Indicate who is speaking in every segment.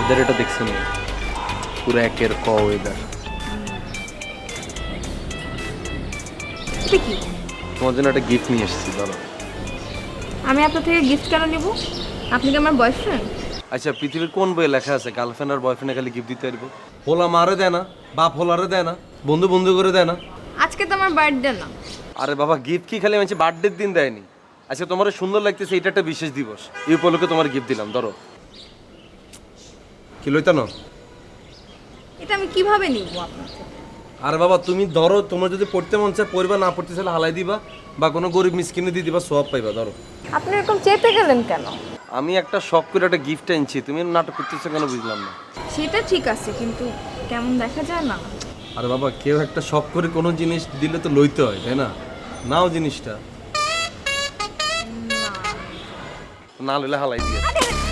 Speaker 1: Weather এটা দেখছেন পুরো একের ক ওয়েদার।
Speaker 2: এটা কি?
Speaker 1: তোমার জন্য একটা গিফট নিয়ে এসেছি, ধরো।
Speaker 2: আমি আপনার থেকে গিফট কেন নিব? আপনি কি আমার বয়ফ্রেন্ড?
Speaker 1: আচ্ছা, পৃথিবীর কোন বইয়ে লেখা আছে গার্লফ্রেন্ড আর বয়ফ্রেন্ডে খালি গিফট দিতে পারবো? হোলা মারে দেয় না, বাপ হোলারে দেয় না, বন্ধু বন্ধু করে দেয় না।
Speaker 2: আজকে তো আমার বার্থডে না।
Speaker 1: আরে বাবা, গিফট কি খালি মানুষ বার্থডের দিন দেয়নি? আচ্ছা, তোমার সুন্দর লাগতেছে, এটা একটা বিশেষ দিবস, এই উপলক্ষে তোমার গিফট দিলাম, ধরো। কি লইতা না?
Speaker 2: এটা আমি কিভাবে নিব আপনার থেকে?
Speaker 1: আরে বাবা, তুমি ধরো, তোমার যদি পড়তে মন চায় পড়বা, না পড়তে চাইলে হালাই দিবা, বা কোনো গরিব মিসকিনে দিয়ে দিবা, সওয়াব পাইবা, ধরো।
Speaker 2: আপনি এরকম চেতে গেলেন কেন?
Speaker 1: আমি একটা শখ করে একটা গিফট আনছি, তুমি নাটক করতেছো কেন বুঝলাম না।
Speaker 2: সেটা ঠিক আছে, কিন্তু কেমন দেখা যায় না?
Speaker 1: আরে বাবা, কেউ একটা শখ করে কোনো জিনিস দিলে তো লইতে হয়, তাই না? নাও জিনিসটা, না লইলে হালাই দিয়ে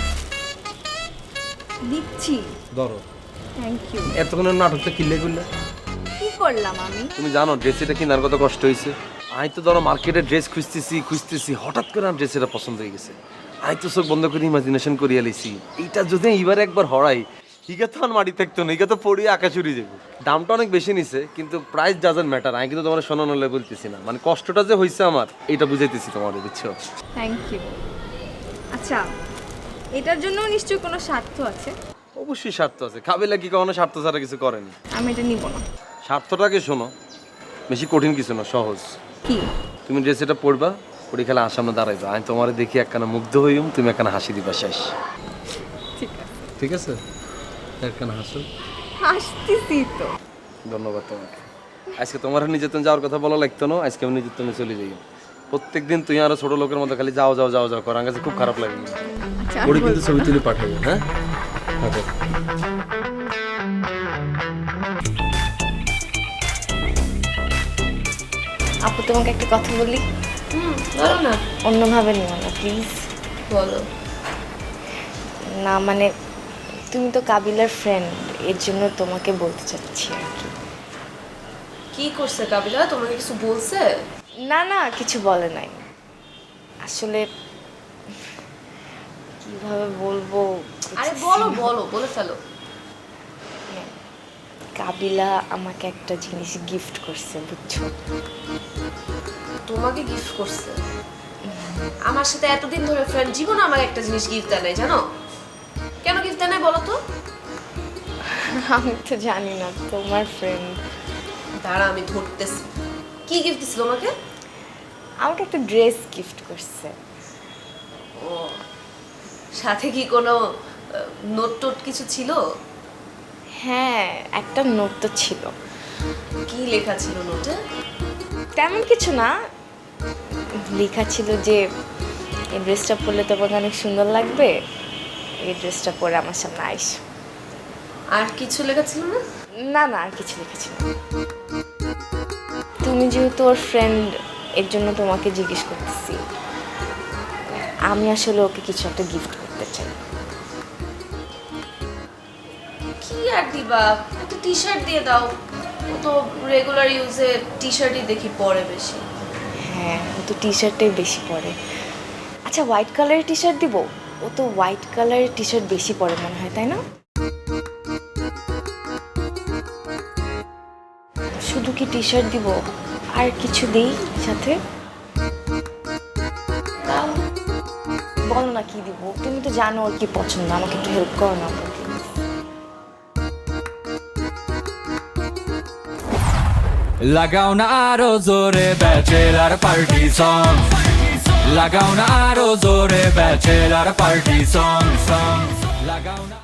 Speaker 2: দিচ্ছি।
Speaker 1: ধরো।
Speaker 2: Thank you.
Speaker 1: এতক্ষণের নাটকটা কিনলে করলে?
Speaker 2: কি করলাম আমি?
Speaker 1: তুমি জানো ড্রেস এটা কেনার কত কষ্ট হয়েছে? আমি তো ধরো মার্কেটে ড্রেস খুঁজতেছি, হঠাৎ করে আমার ড্রেস এটা পছন্দ হয়ে গেছে। আমি তো চোখ বন্ধ করে ইমাজিনেশন করিয়া লিছি, এইটা যদি এইবার একবার হরাই, হিগা তো আর মাটি থাকতো না, হিগা তো পড়িয়ে আকাশ উড়ে যাবে। দামটা অনেক বেশি নিছে, কিন্তু প্রাইস ডাজন্ট ম্যাটার। আমি কিন্তু তোমার শোনানো বলতেছি না, মানে কষ্টটা যে হয়েছে আমার, এটা বুঝাইতেছি তোমার, বুঝছো?
Speaker 2: Thank you. আচ্ছা, এটার জন্য নিশ্চয়ই কোনো স্বার্থ আছে?
Speaker 1: অবশ্যই স্বার্থ আছে, কাবিলা কি কখনো স্বার্থ ছাড়া কিছু করেনি।
Speaker 2: আমি এটা নিব না।
Speaker 1: স্বার্থটাকে শোনো, বেশি কঠিন কিছু না, সহজ।
Speaker 2: কি?
Speaker 1: তুমি ড্রেস এটা পরবা, পরে খেলা আমার সামনে দাঁড়াইবা, আমি তোমার দেখি একখানা মুগ্ধ হইম, তুমি একখানা হাসি দিবা, শেষ।
Speaker 2: ঠিক আছে।
Speaker 1: ঠিক আছে, একখানা হাসো।
Speaker 2: হাসতেছি তো।
Speaker 1: ধন্যবাদ তোমাকে। আজকে তোমার নির্যাতন যাওয়ার কথা বলা লাগতো না, আজকে আমি নির্যাতনে চলে যাই। প্রত্যেকদিন তুই আরো ছোট লোকের মতো খালি যাও যাও যাও যাও কর, আমার কাছে খুব খারাপ লাগে।
Speaker 2: আচ্ছা,
Speaker 1: ওরে কিন্তু ছবি তুলে পাঠাবো, হ্যাঁ? আচ্ছা।
Speaker 3: আপু, তোমাকে একটা কথা বলি।
Speaker 4: বলো না।
Speaker 3: অন্যভাবে নিও না প্লিজ।
Speaker 4: বলো।
Speaker 3: না মানে, তুমি তো কাবিলার ফ্রেন্ড, এর জন্য তোমাকে বলতে চাচ্ছি আর কি।
Speaker 4: কি করছে কাবিলা? তোমাকে কিছু বলছে?
Speaker 3: না না, কিছু বলে নাই। আসলে কিভাবে বলবো?
Speaker 4: আরে বলো বলো, বলে ফেলো।
Speaker 3: কাবিলা আমাকে একটা জিনিস গিফট করছে, বুঝছো?
Speaker 4: তোমাকে গিফট করছে? আমার সাথে এতদিন ধরে ফ্রেন্ড, জীবনে আমাকে একটা জিনিস গিফট দেয় নাই, জানো? কেন গিফট দেয় নাই বলো তো?
Speaker 3: আমি তো জানি না, তোমার ফ্রেন্ড।
Speaker 4: দাঁড়া, আমি ধরতেছি। কি গিফট দিছিল তোমাকে?
Speaker 3: আমাকে একটা ড্রেস গিফট করছে।
Speaker 4: ও, সাথে কি কোনো নোট টোট কিছু ছিল?
Speaker 3: হ্যাঁ, একটা নোট তো ছিল।
Speaker 4: কি লেখা ছিল নোটে?
Speaker 3: তেমন কিছু না, লেখা ছিল যে এই ড্রেসটা পরলে তোমাকে অনেক সুন্দর লাগবে, এই ড্রেসটা পরে আমার সামনে আইস।
Speaker 4: আর কিছু লেখা ছিল না?
Speaker 3: না না, আর কিছু লেখা ছিল না। তুমি যেহেতু ওর ফ্রেন্ড, এর জন্য তোমাকে জিজ্ঞেস করতেছি। আমি আসলে ওকে কিছু একটা গিফট করতে চাই।
Speaker 4: কি আর দিবা? একটা টি শার্ট দিয়ে দাও। ও তো রেগুলার ইউজে টি শার্টই দেখি পরে বেশি।
Speaker 3: হ্যাঁ, ও তো টি শার্টটাই বেশি পরে। আচ্ছা, হোয়াইট কালারের টি শার্ট দিব? ও তো হোয়াইট কালারের টি শার্ট বেশি পরে মনে হয়, তাই না? শুধু কি টি শার্ট দিব, আর কিছু দিই সাথে?
Speaker 4: তাও
Speaker 3: বলো না কি দিব, তুমি তো জানো ওর কি পছন্দ, আমাকে একটু হেল্প করো না প্লিজ।
Speaker 5: লাগাও না আরো জোরে ব্যাচেলার পার্টি সং, লাগাও না আরো জোরে ব্যাচেলার পার্টি সং, লাগাও না।